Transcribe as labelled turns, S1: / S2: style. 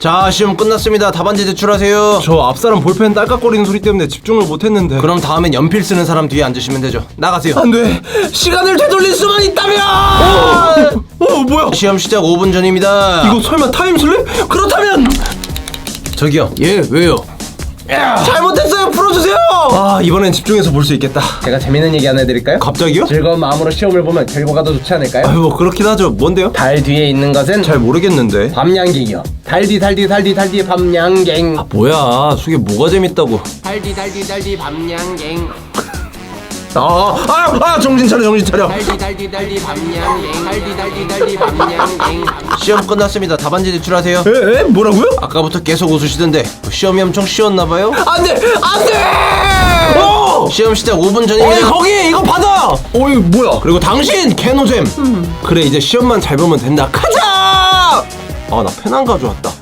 S1: 자, 시험 끝났습니다. 답안지 제출하세요.
S2: 저 앞사람 볼펜 딸깍거리는 소리 때문에 집중을 못했는데.
S1: 그럼 다음엔 연필 쓰는 사람 뒤에 앉으시면 되죠. 나가세요.
S2: 안돼. 시간을 되돌릴 수만 있다면. 뭐야?
S1: 시험 시작 5분 전입니다.
S2: 이거 설마 타임슬립? 그렇다면
S1: 저기요. 예, 왜요?
S2: 잘못했어요. 풀어주세요. 아, 이번엔 집중해서 볼 수 있겠다.
S1: 제가 재밌는 얘기 하나 해드릴까요?
S2: 갑자기요?
S1: 즐거운 마음으로 시험을 보면 결과가 더 좋지 않을까요?
S2: 아유, 뭐 그렇긴 하죠. 뭔데요?
S1: 달 뒤에 있는 것은
S2: 잘 모르겠는데.
S1: 밤양갱이요. 달디 밤양갱.
S2: 뭐야? 속에 뭐가 재밌다고?
S1: 달디 밤양갱.
S2: 정신 차려.
S1: 달디 밤양갱. 달디 밤양갱. 시험 끝났습니다. 답안지 제출하세요.
S2: 에? 뭐라고요?
S1: 아까부터 계속 웃으시던데 시험이 엄청 쉬웠나봐요?
S2: 안돼.
S1: 시험 시작 5분 전입니다.
S2: 거기 이거 받아. 이거 뭐야?
S1: 그리고 당신 개노잼.
S2: 그래, 이제 시험만 잘 보면 된다. 가자. 나 펜 안 가져왔다.